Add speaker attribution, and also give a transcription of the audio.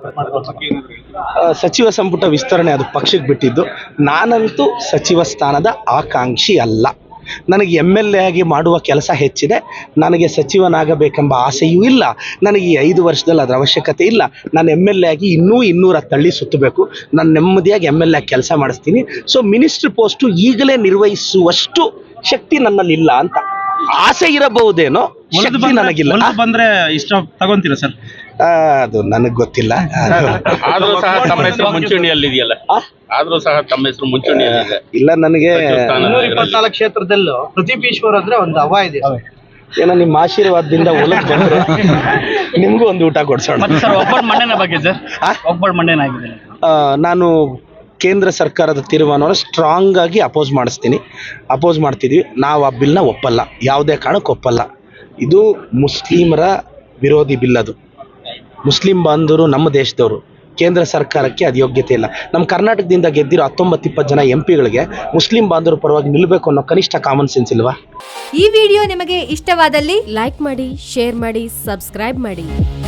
Speaker 1: ಸಚಿವ ಸಂಪುಟ ವಿಸ್ತರಣೆ ಅದು ಪಕ್ಷಕ್ಕೆ ಬಿಟ್ಟಿದ್ದು. ನಾನಂತೂ ಸಚಿವ ಸ್ಥಾನದ ಆಕಾಂಕ್ಷಿ ಅಲ್ಲ. ನನಗೆ MLA ಆಗಿ ಮಾಡುವ ಕೆಲಸ ಹೆಚ್ಚಿದೆ. ನನಗೆ ಸಚಿವನಾಗಬೇಕೆಂಬ ಆಸೆಯೂ ಇಲ್ಲ. ನನಗೆ ಈ 5 ವರ್ಷದಲ್ಲಿ ಅದರ ಅವಶ್ಯಕತೆ ಇಲ್ಲ. ನಾನು MLA ಆಗಿ ಇನ್ನೂ 200 ತಳ್ಳಿ ಸುತ್ತಬೇಕು. ನಾನು ನೆಮ್ಮದಿಯಾಗಿ MLA ಕೆಲಸ ಮಾಡಿಸ್ತೀನಿ. ಸೊ ಮಿನಿಸ್ಟ್ರ್ ಪೋಸ್ಟು ಈಗಲೇ ನಿರ್ವಹಿಸುವಷ್ಟು ಶಕ್ತಿ ನನ್ನಲ್ಲಿಲ್ಲ ಅಂತ. ಆಸೆ ಇರಬಹುದೇನೋ, ಶಕ್ತಿ ನನಗಿಲ್ಲ.
Speaker 2: ಬಂದ್ರೆ ಇಷ್ಟ ತಗೊಂತೀರಾ ಸರ್?
Speaker 1: ಅದು ನನಗೆ ಗೊತ್ತಿಲ್ಲ.
Speaker 3: ಆದ್ರೂ ಸಹ ತಮ್ಮ ಹೆಸರು ಮುಂಚೂಣಿಯಲ್ಲಿ ಇದೆಯಲ್ಲ, ಆದ್ರೂ ಸಹ ತಮ್ಮ ಹೆಸರು ಮುಂಚೂಣಿಯಲ್ಲಿ
Speaker 1: ಇಲ್ಲ. ನನಗೆ
Speaker 4: 224 ಕ್ಷೇತ್ರದಲ್ಲೂ ಪ್ರದೀಪ್ ಈಶ್ವರ್ ಅಂದ್ರೆ ಒಂದು ಹವಾ ಇದೆ.
Speaker 1: ಏನೋ ನಿಮ್ಮ ಆಶೀರ್ವಾದದಿಂದ ಒಳಗೆ ಬಂದ್ರೆ ನಿಮ್ಗೂ ಒಂದು ಊಟ ಕೊಡ್ಸೋಣ.
Speaker 2: ಸರ್ ಒಬ್ಬರ ಮಂಡನೆ ಬಗ್ಗೆ ಸರ್, ಒಬ್ಬರ ಮಂಡನೆ ಆಗಿದೆ.
Speaker 1: ನಾನು ಕೇಂದ್ರ ಸರ್ಕಾರದ ತೀರ್ಮಾನವನ್ನು ಸ್ಟ್ರಾಂಗ್ ಆಗಿ ಅಪೋಸ್ ಮಾಡ್ತಿದ್ವಿ. ನಾವು ಆ ಬಿಲ್ನ ಒಪ್ಪಲ್ಲ, ಯಾವುದೇ ಕಾರಣಕ್ಕೆ ಒಪ್ಪಲ್ಲ. ಇದು ಮುಸ್ಲಿಮರ ವಿರೋಧಿ ಬಿಲ್. ಅದು ಮುಸ್ಲಿಂ ಬಾಂಧವರು ನಮ್ಮ ದೇಶದವರು. ಕೇಂದ್ರ ಸರ್ಕಾರಕ್ಕೆ ಅದು ಯೋಗ್ಯತೆ ಇಲ್ಲ. ನಮ್ಮ ಕರ್ನಾಟಕದಿಂದ ಗೆದ್ದಿರೋ 19-20 ಜನ MPಗಳಿಗೆ ಮುಸ್ಲಿಂ ಬಾಂಧವರು ಪರವಾಗಿ ನಿಲ್ಲಬೇಕು ಅನ್ನೋ ಕನಿಷ್ಠ ಕಾಮನ್ ಸೆನ್ಸ್ ಇಲ್ವಾ?
Speaker 5: ಈ ವಿಡಿಯೋ ನಿಮಗೆ ಇಷ್ಟವಾದಲ್ಲಿ ಲೈಕ್ ಮಾಡಿ, ಶೇರ್ ಮಾಡಿ, ಸಬ್ಸ್ಕ್ರೈಬ್ ಮಾಡಿ.